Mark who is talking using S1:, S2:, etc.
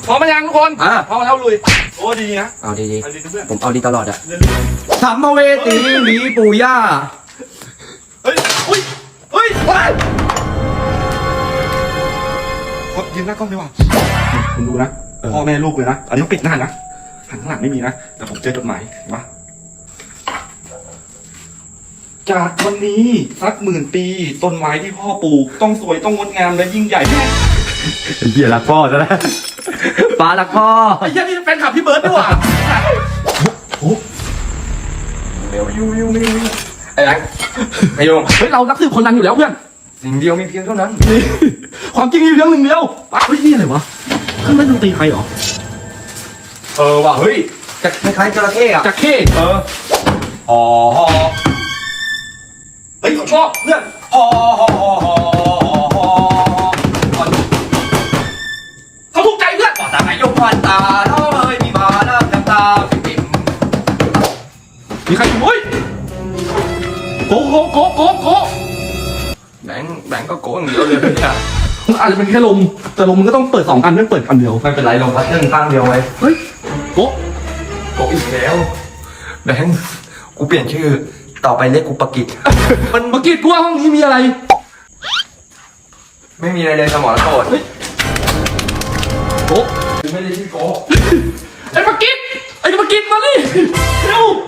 S1: พร้อมมายังทุกคนพร้อมแล้วลุยโอ้ดีนะ
S2: เอาดี
S1: ผม
S2: เอาดีตลอดอะ
S3: สัมภเวสีหนีปู่ย่า
S1: เฮ้ยไปยืนหน้ากล้องดีกว่าคุณดูนะพ่อแม่ลูกเลยนะอันนี้ต้องปิดหน้านะหันข้างหลังไม่มีนะแต่ผมเจอจดหมายเห็นปะจากวันนี้สัก10,000 ปีต้นไม้ที่พ่อปลูกต้องสวยต้องงดงามและยิ่งใหญ่
S3: เหี้ยรักพ่อซะแล้วป้ารักพ่อ
S1: ไอ้เหี้ยนี่เป็นขับพี่เบิร์ดด้วยว่ะเร็วไอ้แบงค์ไอ้โยงเฮ้ยเรานักสืบคนดังอยู่แล้วเพื่อน
S2: สิ่งเดียวมีเพียงเท่านั้น
S1: ความจริงมีเรื่องหนึ่งเดียว
S3: เฮ้ยนี่อะไรวะเครื่องเล่นดนตรีไทยเหรอ
S1: ว่ะเฮ้ย
S2: จะคล้ายๆจระเข้อะ
S1: จักเข้เฮ้ยชอบเพื่อนเขาถูกใจเพื่อน
S2: ตาไม่ยกพันตาเท่าเลยมีบาน้ำตาปิ่ม
S1: มีใครอยู่เฮ้ยโก
S2: แบงก็โกงเดียวเลยเนี่ย
S1: อาจจะเป็นแค่ลมแต่ลมมันก็ต้องเปิด2 อันไม่เปิดอันเดียว
S2: ไม่เป็นไรลมพัดเรื่องข้างเดียวไว้
S1: เฮ้ยโก
S2: อีกแล้วแบงกูเปลี่ยนชื่อต่อไปเรียกกูปกิจ
S1: มันปกิจกูว่าห้องนี้มีอะไร
S2: ไม่มีอะไรเลยสมองโกรธ
S1: โก
S2: ไม่ได้ชื่อโก
S1: ไอ้ปกิจมาดิเร็ว